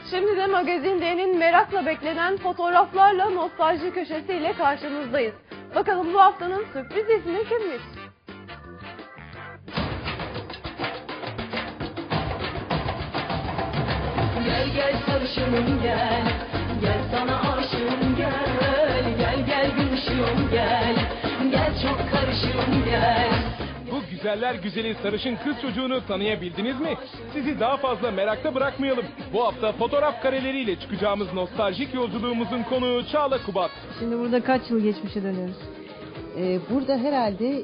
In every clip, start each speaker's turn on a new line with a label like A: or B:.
A: Şimdi de Magazin D'nin merakla beklenen fotoğraflarla nostalji köşesiyle karşınızdayız. Bakalım bu haftanın sürpriz ismi kimmiş?
B: Gel gel sarışınım gel, gel sana aşığım gel, gel gel gümüşüm gel, gel çok karışığım gel.
C: Bu güzeller güzeli sarışın kız çocuğunu tanıyabildiniz mi? Sizi daha fazla merakta bırakmayalım. Bu hafta fotoğraf kareleriyle çıkacağımız nostaljik yolculuğumuzun konuğu Çağla Kubat.
D: Şimdi burada kaç yıl geçmişe dönüyoruz?
E: Burada herhalde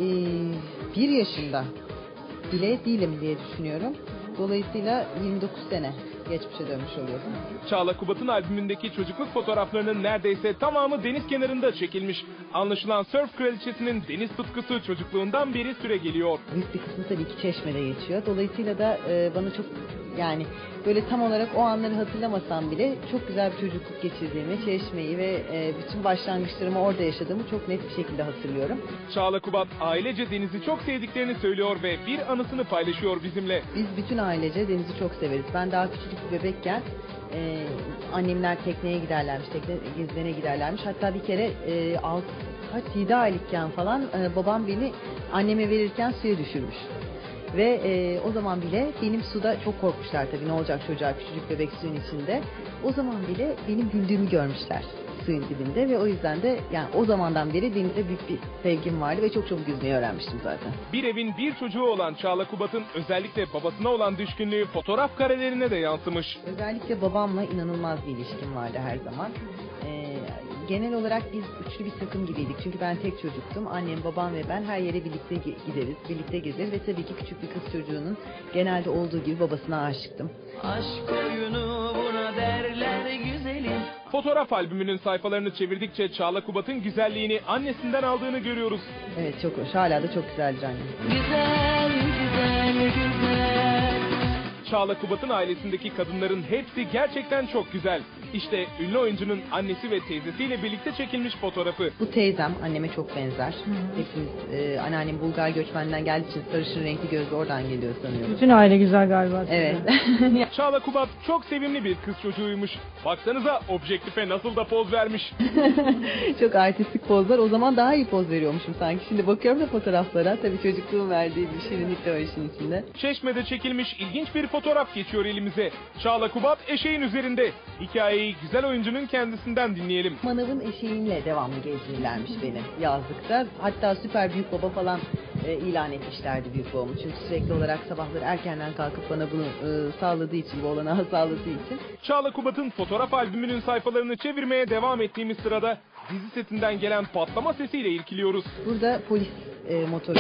E: 1 yaşında bile değilim diye düşünüyorum. Dolayısıyla 29 sene geçmişe dönmüş oluyorum.
C: Çağla Kubat'ın albümündeki çocukluk fotoğraflarının neredeyse tamamı deniz kenarında çekilmiş. Anlaşılan sörf kraliçesinin deniz tutkusu çocukluğundan beri süre geliyor.
E: Büyük bir kısmı tabii ki Çeşme'de geçiyor. Dolayısıyla da bana çok yani böyle tam olarak o anları hatırlamasam bile çok güzel bir çocukluk geçirdiğimi, Çeşme'yi ve bütün başlangıçlarımı orada yaşadığımı çok net bir şekilde hatırlıyorum.
C: Çağla Kubat ailece denizi çok sevdiklerini söylüyor ve bir anısını paylaşıyor bizimle.
E: Biz bütün ailece denizi çok severiz. Ben daha küçücük bir bebekken annemler tekneye giderlermiş, tekne gezmene giderlermiş. Hatta bir kere 7 aylıkken falan babam beni anneme verirken suya düşürmüş. Ve o zaman bile benim suda çok korkmuşlar tabii, ne olacak çocuğa, küçücük bebek suyun içinde. O zaman bile benim güldüğümü görmüşler suyun dibinde ve o yüzden de yani o zamandan beri denize büyük bir sevgim vardı ve çok çabuk yüzmeyi öğrenmiştim zaten.
C: Bir evin bir çocuğu olan Çağla Kubat'ın özellikle babasına olan düşkünlüğü fotoğraf karelerine de yansımış.
E: Özellikle babamla inanılmaz bir ilişkim vardı her zaman. Genel olarak biz üçlü bir takım gibiydik. Çünkü ben tek çocuktum. Annem, babam ve ben her yere birlikte gideriz, birlikte gezeriz ve tabii ki küçük bir kız çocuğunun genelde olduğu gibi babasına aşıktım.
B: Aşk oyunu buna derler güzelim.
C: Fotoğraf albümünün sayfalarını çevirdikçe Çağla Kubat'ın güzelliğini annesinden aldığını görüyoruz.
E: Evet, çok hoş. Hala da çok güzeldir annem.
B: Güzel, güzel, güzel.
C: Çağla Kubat'ın ailesindeki kadınların hepsi gerçekten çok güzel. İşte ünlü oyuncunun annesi ve teyzesiyle birlikte çekilmiş fotoğrafı.
E: Bu teyzem anneme çok benzer. Hepimiz, anneannem Bulgar göçmenden geldiği için sarışın renkli gözlü oradan geliyor sanıyorum.
D: Bütün aile güzel galiba.
E: Evet.
C: Çağla Kubat çok sevimli bir kız çocuğuymuş. Baksanıza objektife nasıl da poz vermiş.
E: Çok artistik pozlar. O zaman daha iyi poz veriyormuşum sanki. Şimdi bakıyorum da fotoğraflara. Tabii çocukluğum verdiği bir şirinlik de var işin içinde.
C: Çeşme'de çekilmiş ilginç bir fotoğraf geçiyor elimize. Çağla Kubat eşeğin üzerinde. Hikayeyi güzel oyuncunun kendisinden dinleyelim.
E: Manavın eşeğinle devamlı gezdirirlermiş beni yazlıkta. Hatta süper büyük baba falan ilan etmişlerdi büyük babamı. Çünkü sürekli olarak sabahları erkenden kalkıp bana bunu sağladığı için, bu olanağı sağladığı için.
C: Çağla Kubat'ın fotoğraf albümünün sayfalarını çevirmeye devam ettiğimiz sırada dizi setinden gelen patlama sesiyle irkiliyoruz.
E: Burada polis motoru.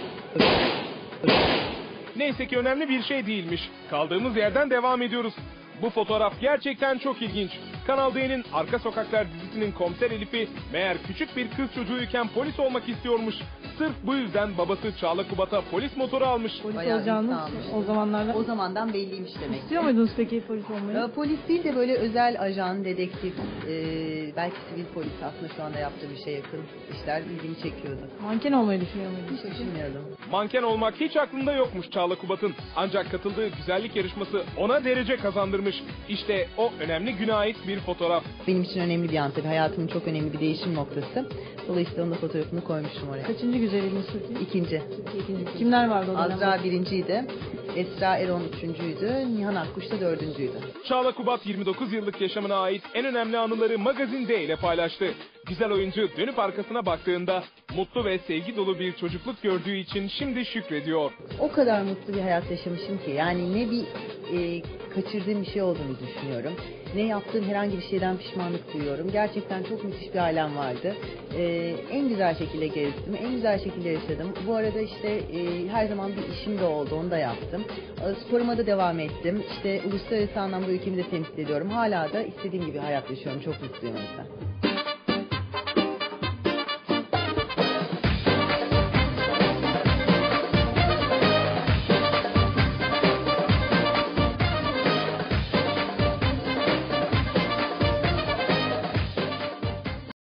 C: Neyse ki önemli bir şey değilmiş. Kaldığımız yerden devam ediyoruz. Bu fotoğraf gerçekten çok ilginç. Kanal D'nin Arka Sokaklar dizisinin komiser Elif'i meğer küçük bir kız çocuğuyken polis olmak istiyormuş. Sırf bu yüzden babası Çağla Kubat'a polis motoru almış.
D: Polis
E: Bayağı
D: olacağınız
E: insanmış.
D: o zamanlarda.
E: O zamandan belliymiş demek.
D: İstiyor muydunuz peki polis olmayı?
E: Polis değil de böyle özel ajan, dedektif, belki sivil polis, aslında şu anda yaptığı bir şeye yakın işler ilgimi çekiyordu.
D: Manken olmayı düşünüyor muydunuz?
E: Hiç düşünmüyordum.
C: Manken olmak hiç aklında yokmuş Çağla Kubat'ın. Ancak katıldığı güzellik yarışması ona derece kazandırmış. İşte o önemli güne ait bir fotoğraf.
E: Benim için önemli bir an tabii. Hayatımın çok önemli bir değişim noktası. Dolayısıyla onun da fotoğrafını koymuştum oraya.
D: Kaçıncı güzelliğiniz peki?
E: İkinci.
D: Kimler vardı o dönemde?
E: Azra birinciydi. Esra Eron üçüncüydü. Nihan Akkuş da dördüncüydü.
C: Çağla Kubat 29 yıllık yaşamına ait en önemli anıları Magazin D ile paylaştı. Güzel oyuncu dönüp arkasına baktığında mutlu ve sevgi dolu bir çocukluk gördüğü için şimdi şükrediyor.
E: O kadar mutlu bir hayat yaşamışım ki yani ne bir kaçırdığım bir şey olduğunu düşünüyorum. Ne yaptığım herhangi bir şeyden pişmanlık duyuyorum. Gerçekten çok müthiş bir ailem vardı. En güzel şekilde gezdim, en güzel şekilde yaşadım. Bu arada işte her zaman bir işim de oldu, onu da yaptım. Sporuma da devam ettim. İşte uluslararası anlamda ülkemi de temsil ediyorum. Hala da istediğim gibi hayat yaşıyorum. Çok mutluyum o yüzden.